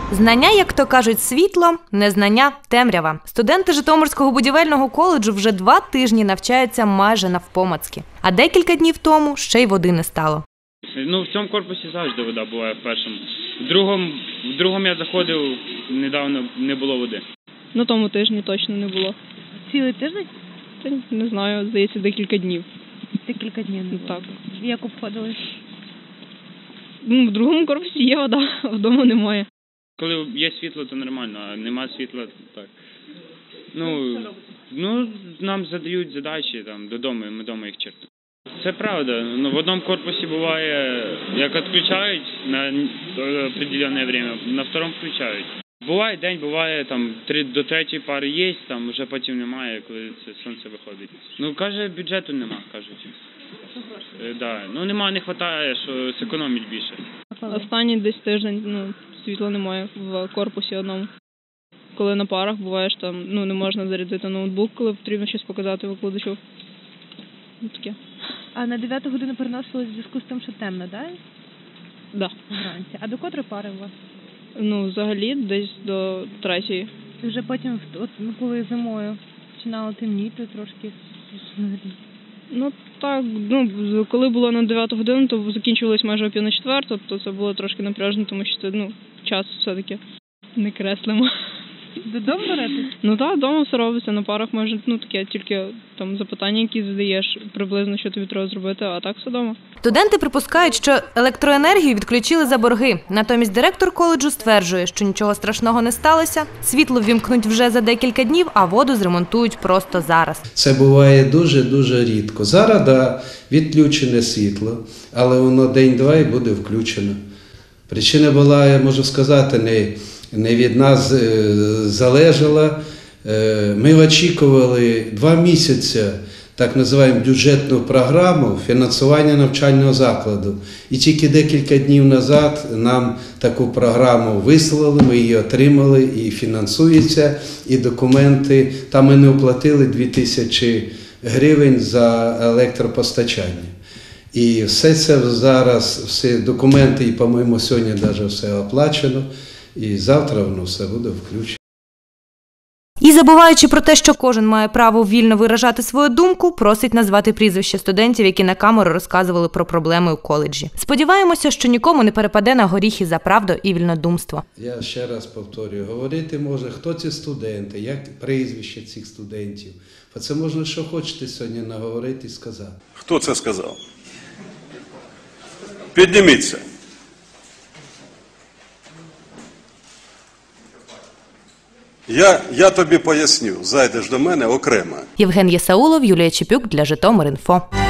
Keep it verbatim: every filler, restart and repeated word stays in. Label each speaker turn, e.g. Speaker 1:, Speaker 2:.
Speaker 1: Знання, як то кажуть, світло, незнання – темрява. Студенти Житомирського будівельного коледжу вже два тижні навчаються майже навпомацьки. А декілька днів тому ще й води не стало.
Speaker 2: Ну, в цьому корпусі завжди вода буває в першому. В другому, в другому я заходив, недавно не було води.
Speaker 3: На тому тижні точно не було.
Speaker 4: Цілий тиждень?
Speaker 3: Та не знаю, здається, декілька днів.
Speaker 4: Декілька днів не було.
Speaker 3: Так.
Speaker 4: Як обходились?
Speaker 3: Ну, в другому корпусі є вода, а вдома немає.
Speaker 2: Коли є світло, то нормально, а нема світла, то так. Ну, ну нам задають задачі там, додому, ми вдома їх чертимо. Це правда. Ну, в одному корпусі буває, як відключають на определенне время, на второму включають. Буває день, буває там три, до третьої пари є, там вже потім немає, коли це сонце виходить. Ну, каже, бюджету нема, кажуть. Е, да. Ну, нема, не вистачає, що зекономить більше.
Speaker 3: Останній десь тиждень, ну, світла немає в корпусі одному. Коли на парах буваєш там, ну, не можна зарядити ноутбук, коли потрібно щось показати викладачу. Ну, таке.
Speaker 4: А на дев'яту годину переносились в зв'язку з тим, що темно, так?
Speaker 3: Да.
Speaker 4: Вранці. А до котрої пари у вас?
Speaker 3: Ну, взагалі, десь до третьої.
Speaker 4: І вже потім, от, ну, коли зимою починало темніти трошки?
Speaker 3: Ну, так, ну, коли було на дев'яту годину, то закінчувалось майже о пів на четверту, то це було трошки напряжно, тому що, ну, час все-таки не креслимо.
Speaker 4: Додому беретесь?
Speaker 3: Ну так, вдома все робиться, на парах може, ну таке, тільки там запитання, які задаєш, приблизно, що тобі треба зробити, а так все вдома.
Speaker 1: Студенти припускають, що електроенергію відключили за борги. Натомість директор коледжу стверджує, що нічого страшного не сталося, світло ввімкнуть вже за декілька днів, а воду зремонтують просто зараз.
Speaker 5: Це буває дуже-дуже рідко. Зараз, да, відключене світло, але воно день-два і буде включено. Причина була, я можу сказати, не... не від нас залежала. Ми очікували два місяці, так називаємо бюджетну програму фінансування навчального закладу. І тільки декілька днів назад нам таку програму вислали, ми її отримали і фінансується, і документи. Там ми не оплатили дві тисячі гривень за електропостачання. І все це зараз, всі документи, і, по-моєму, сьогодні навіть все оплачено. І завтра воно все буде включено.
Speaker 1: І забуваючи про те, що кожен має право вільно виражати свою думку, просить назвати прізвища студентів, які на камеру розказували про проблеми у коледжі. Сподіваємося, що нікому не перепаде на горіхи за правду і вільнодумство.
Speaker 5: Я ще раз повторюю, говорити може, хто ці студенти, як прізвище цих студентів. Бо це можна, що хочете сьогодні наговорити і сказати.
Speaker 6: Хто це сказав? Підніміться. Я, я тобі поясню, зайдеш до мене окремо.
Speaker 1: Євген Єсаулов, Юлія Чепюк для Житомир.Інфо.